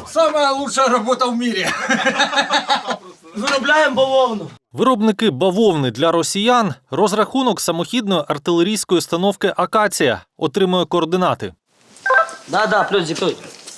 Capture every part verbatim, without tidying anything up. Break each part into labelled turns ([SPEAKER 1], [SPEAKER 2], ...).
[SPEAKER 1] Самая лучшая работа в мире.
[SPEAKER 2] Виробляємо бавовну.
[SPEAKER 3] Виробники бавовни для росіян – розрахунок самохідної артилерійської установки «Акація» отримує координати.
[SPEAKER 2] Да-да, плюс диктуй.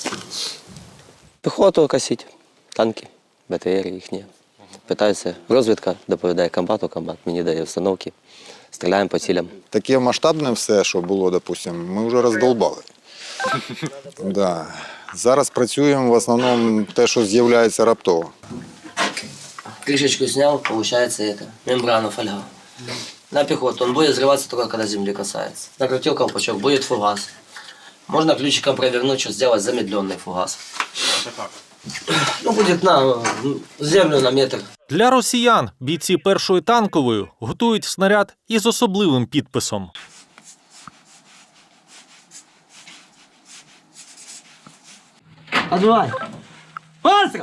[SPEAKER 4] Піхоту косить, танки, БТР їхні. Питаються, розвідка доповідає комбату, комбат мені дає установки. Стріляємо по цілям.
[SPEAKER 5] Таке масштабне все, що було, допустим, ми вже роздолбали. Да. Зараз працюємо в основному те, що з'являється раптово.
[SPEAKER 2] Крышечку снял, получается это, мембрана фольга. На пехоту. Он будет взрываться только когда земли касается. Накрутил колпачок, будет фугас. Можно ключиком провернуть, что сделать замедленный фугас. Это как? Ну, будет на землю на метр.
[SPEAKER 3] Для росіян бійці першої танкової готують снаряд із особливим підписом.
[SPEAKER 2] Отбивай. Пострел!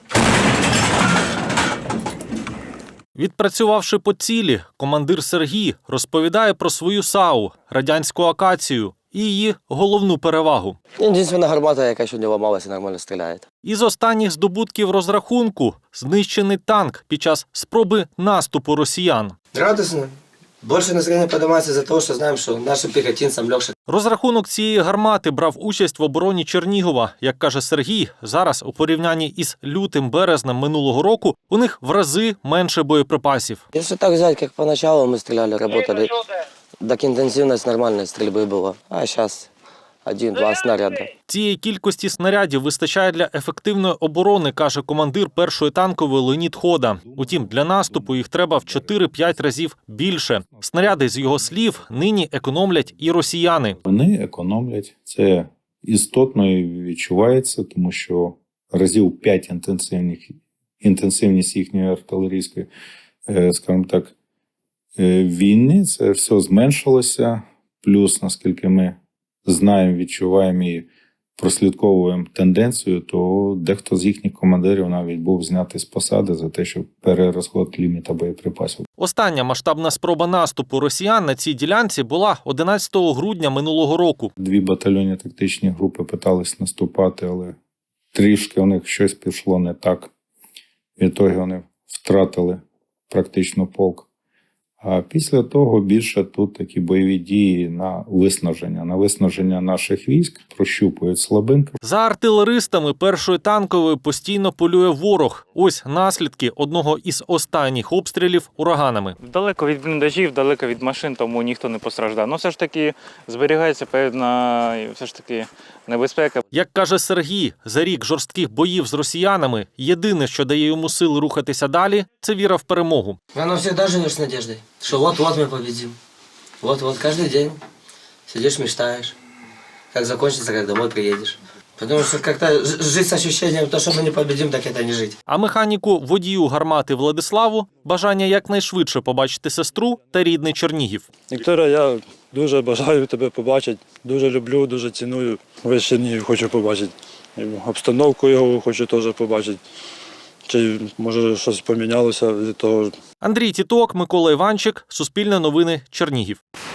[SPEAKER 3] Відпрацювавши по цілі, командир Сергій розповідає про свою САУ – радянську «Акацію» і її головну перевагу.
[SPEAKER 4] Єдина гармата, яка ще не ламалася, нормально стріляє.
[SPEAKER 3] Із останніх здобутків розрахунку – знищений танк під час спроби наступу росіян.
[SPEAKER 2] Радостно. Больше настроение поднимается из-за того, что знаем, что нашим пехотинцам легче.
[SPEAKER 3] Розрахунок цієї гармати брав участь в обороні Чернігова. Як каже Сергій, зараз у порівнянні із лютим-березнем минулого року у них в рази менше боєприпасів.
[SPEAKER 4] Якщо так взяти, як поначалу ми стріляли, працювали, так інтенсивність нормальної стрільби була. А зараз один-два снаряди.
[SPEAKER 3] Цієї кількості снарядів вистачає для ефективної оборони, каже командир першої танкової Леонід Хода. Утім, для наступу їх треба в чотири-п'ять разів більше. Снаряди, з його слів, нині економлять і росіяни.
[SPEAKER 6] Вони економлять. Це істотно відчувається, тому що разів п'ять інтенсивних, інтенсивність їхньої артилерійської, скажімо так, війни, це все зменшилося. Плюс, наскільки ми знаємо, відчуваємо і прослідковуємо тенденцію, то дехто з їхніх командирів навіть був знятий з посади за те, що перерозход ліміта боєприпасів.
[SPEAKER 3] Остання масштабна спроба наступу росіян на цій ділянці була одинадцятого грудня минулого року.
[SPEAKER 6] Дві батальйонні тактичні групи питались наступати, але трішки у них щось пішло не так. Відтоді вони втратили практично полк. А після того більше тут такі бойові дії на виснаження. На виснаження наших військ прощупують слабинки.
[SPEAKER 3] За артилеристами першої танкової постійно полює ворог. Ось наслідки одного із останніх обстрілів ураганами.
[SPEAKER 7] Далеко від бліндажів, далеко від машин, тому ніхто не постраждав. Ну все ж таки зберігається певна все ж таки небезпека.
[SPEAKER 3] Як каже Сергій, за рік жорстких боїв з росіянами єдине, що дає йому сил рухатися далі – це віра в перемогу.
[SPEAKER 2] Рано всегда живешь с надеждой, что вот-вот мы победим. Вот-вот, каждый день сидишь, мечтаешь, как закончится, как домой приедешь. Потому что как-то жить с ощущением, то, что мы не победим, так это не жить.
[SPEAKER 3] А механіку водію гармати Владиславу бажання якнайшвидше побачити сестру та рідний Чернігів.
[SPEAKER 8] Вікторія, я дуже бажаю тебе побачити, дуже люблю, дуже ціную. Весь Чернігів хочу побачити. Обстановку його хочу теж побачити. Чи, може, щось помінялося від того.
[SPEAKER 3] Андрій Тіток, Микола Іванчик, Суспільне новини, Чернігів.